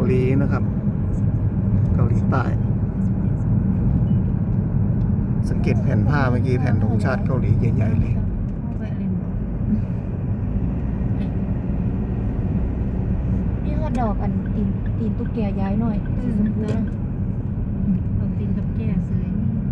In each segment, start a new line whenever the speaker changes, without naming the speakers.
หลีนะครับ เกาหลีใต้สังเกตแผ่นผ้าเมื่อกี้แผ่นธงชาติเกาหลีใหญ่ๆเลย
นี่ก็ดอกอันตีนตุ๊กแกย้ายหน่อยสีชมพูนะ
เอาตีนกับแก่เสย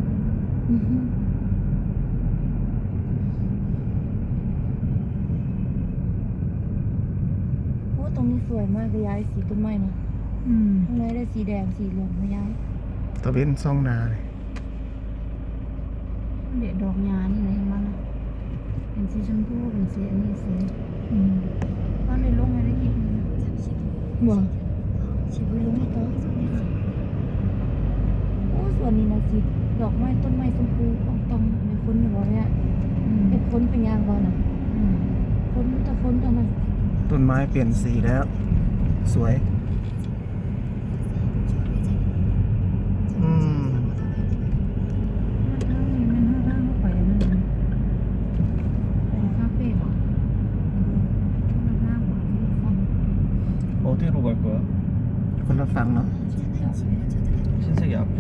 โอ้ตรงนี้สวยมากเลยย้ายสีต้นไม้เนาะข้างในได้สีแดงสีเหลืองมาย้าย
ตะเวนซ่องนาเลย
เด็ดดอกยานี่เลยมันเป็นสีชมพูเป็นสีอันนี้สีตอนในลงอะไรกิน
บ่สีไปลงให้โต๊ะโอ้ส่วนนี้นะสีดอกไม้ต้นไม้ชมพูของตองในคนอยู่บ่เนี่ยเป็นคนเป็นยางบ่น่ะคนแต่คนตอนนั้น
ต้นไม้เปลี่ยนสีแล้ว สวย
어디로 갈 거야?
คนละฝั่งเนาะ
신세계 앞에?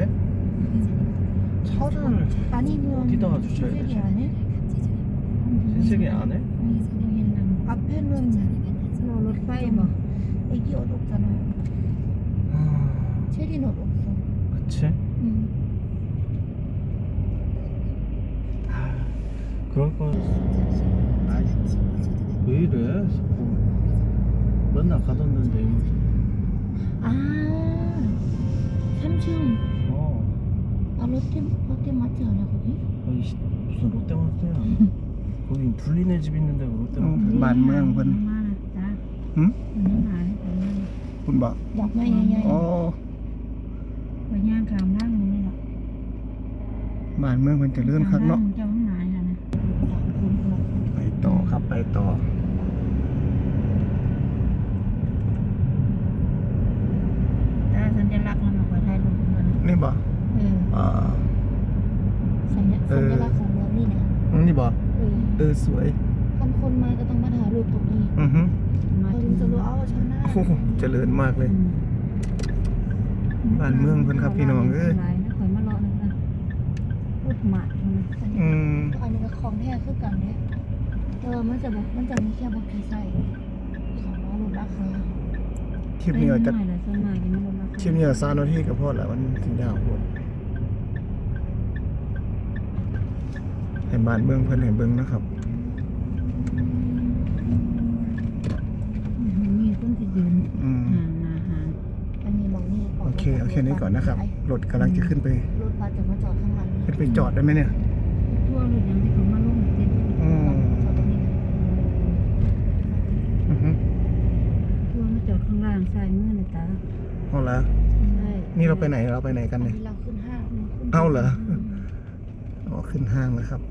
차를
아니면
어디다가 주차해야
신세계
되지?
안에?
신세계 안에?
앞에는 롯파이버 애기 옷 없잖아요. 체린 옷 없어.
그치? 그럴 거. 왜 이래? 자꾸 맨날 가던 데인데 이모지.
아, 3층.
어.
아, 롯데 마트 아니야 거기?
아니 무슨 롯데마트야. 거기 불리네 집 있는데 왜 롯데마트야?
บ้านเมืองเพิ่นหึคุณบอก
ดอกไม้ใหญ่
อ๋อ
ไปย่างขามล่างนี่แหละ
บ้านเมืองเพิ่นเจะเลื่อนคักเนาะ
เจ้าห้องนายนะ
ไปต่อครับไปต่อ
แต่สัญลักษณ์มันมาคอยถ่ายรูปมัน
นี่บอกอ่า
ๆสัญลักษณ์ของเมืองนี่นะ
นี่บอกสวย
คนมาก็ต้องมาถ่ายรูปตรงนี้
อือฮึ
มา
เรา
ถึ
ถึ
ง
งจะรู้ว่าชาวนา
โอ้โหเจริญมากเลย บ้านเมืองเพิ่นครับพี่น้องเอ้ย
นะคอยมารอนึงนะพูดหมาดมัน
อืม
อันนี้ก็ของแท้คือกันเนี่ยมันจะมีแค่บางทีใส่ของเราลดราคา
คลิปนี้เอาจะ
หน่อยละส่วนมากยังไม่ลดราคา
คลิปนี้เอา3 นาทีก็พอแล้วมันถึงยาวโพดให้บ้านเมืองเพิ่นให้เบิ่งนะครับ
มีคนที่ยืน
อืม
ห่างมาห่าง
อันนี้มองนี่
โอเคเอาแค่นี้ก่อนนะครับรถกำลังจะขึ้นไป
รถบัสจะมาจอดข้างหลังนี่
ขึ้นไปจอดได้ไหมเนี่ย
ทั่วรถยังที่เขามาลงเต็ม
อืม
จอดตรงนี้นะ
อือฮึ
ทั่วมาจอดข้างล่างซ้ายมือนะจ๊ะ
เอาละ
ใช่
นี่เราไปไหนกัน
อัน
เนี่ย
นี้เราขึ้นห้าง
เอาเหรออ๋อขึ้นห้างแล้วครับ